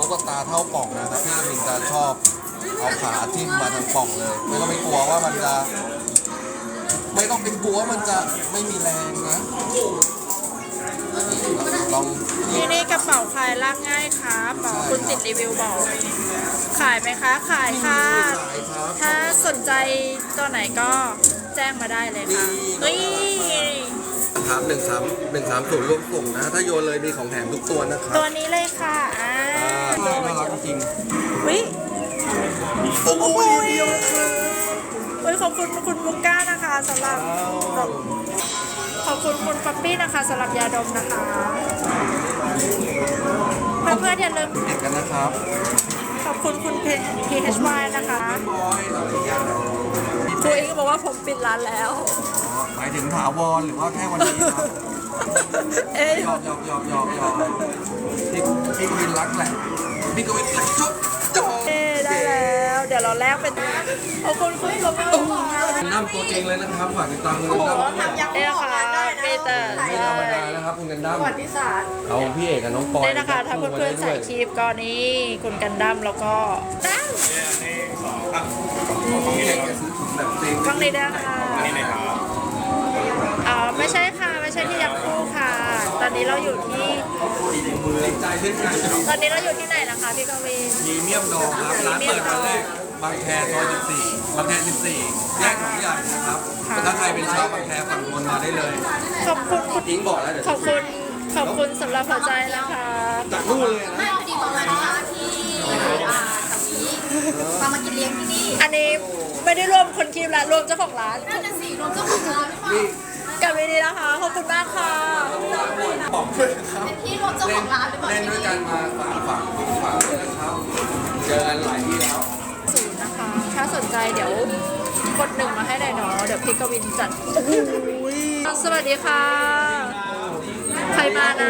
ตุ๊กตาเท่าป่องนะครับพี่มินจะชอบเอาขาทิ่มมาทางป่องเลยไม่ต้องไปกลัวว่ามันจะไม่ต้องเป็นกลัวว่ามันจะไม่มีแรงนะลองนี่กระเป๋าขายลากง่ายครับบอกคุณติดรีวิวบอกขายไหมคะขายค่ะถ้าสนใจตัวไหนก็แจ้งมาได้เลยค่ะเฮ้ยครับ130รวมส่งนะถ้าโยนเลยมีของแถมทุกตัวนะครับตัวนี้เลยค่ะน่ารักจริงวิโอ้โหขอบคุณคุณมุกก้านะคะสำหรับขอบคุณคุณป๊อปปี้นะคะสำหรับยาดมนะคะเพื่อนๆอย่าลืมเด็กกันนะครับขอบคุณคุณ PHY นะคะครูเองก็บอกว่าผมปิดร้านแล้วหมายถึงถาวรหรือว่าแค่วันนี้ครับเอ้ยยอมพี่กวินรักแหละพี่กวินรักชุดจบได้แล้ว เดี๋ยวเราแลกเป็นขอบคุณคุณสมบูรณ์น้ำตัวจริงเลยนะครับฝากติดตามคุณกันดั้มเนี่ยค่ะปีเตอร์ไม่ธรรมดานะครับคุณกันดั้มเอาพี่เอกกับน้องปอยเนี่ยนะคะถ้าเพื่อนๆใส่คลิปก็นี่คุณกันดั้มแล้วก็ดั้มพี่เอกจะซื้อถุงแบบจริงฟังนี้ด้วยค่ะไม่ใช่ค่ะไม่ใช่ที่ยักษ์คู่ค่ะ ตอนนี้เราอยู่ที่มือใจเล่นงานตอนนี้เราอยู่ที่ไหนนะคะพี่กวีนพรีเมียมดองครับร้านเปิดวันแรกบางแคซอย14บางแค14แยกของใหญ่นะครับถ้าใครเป็นชาวบางแคฝั่งทนมาได้เลยขอบคุณคุณอิงบอกแล้วเดี๋ยวขอบคุณสำหรับหัวใจนะคะจากนู่นเลยนะไม่พอดีประมาณว่าที่สามีมากินเลี้ยงที่นี่อันนี้ไม่ได้รวมคนคลิปละรวมเจ้าของร้านน่าจะสี่รวมเจ้าของร้านหรือเปล่ากับวิดีนะคะขอบคุณมากค่ะบอกด้วยนะครับเป็นที่รวมเจ้าของร้านหรือเปล่าเล่นด้วยกันมาฝากเลยนะครับเจอกันหลายที่แล้วศูนย์นะคะ ถ้าสนใจเดี๋ยวกด1มาให้ได้เนาะเดี๋ยวพี่กวินจัดสวัสดีค่ะ ใครมานะ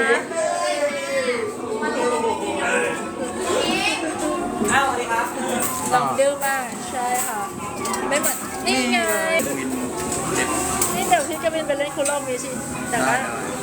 ลองดื้อมากใช่ค่ะ ไม่เหมือนนี่ไงนี่เดี๋ยวพี่กวินไปเล่นคุโรมิชิแต่ว่า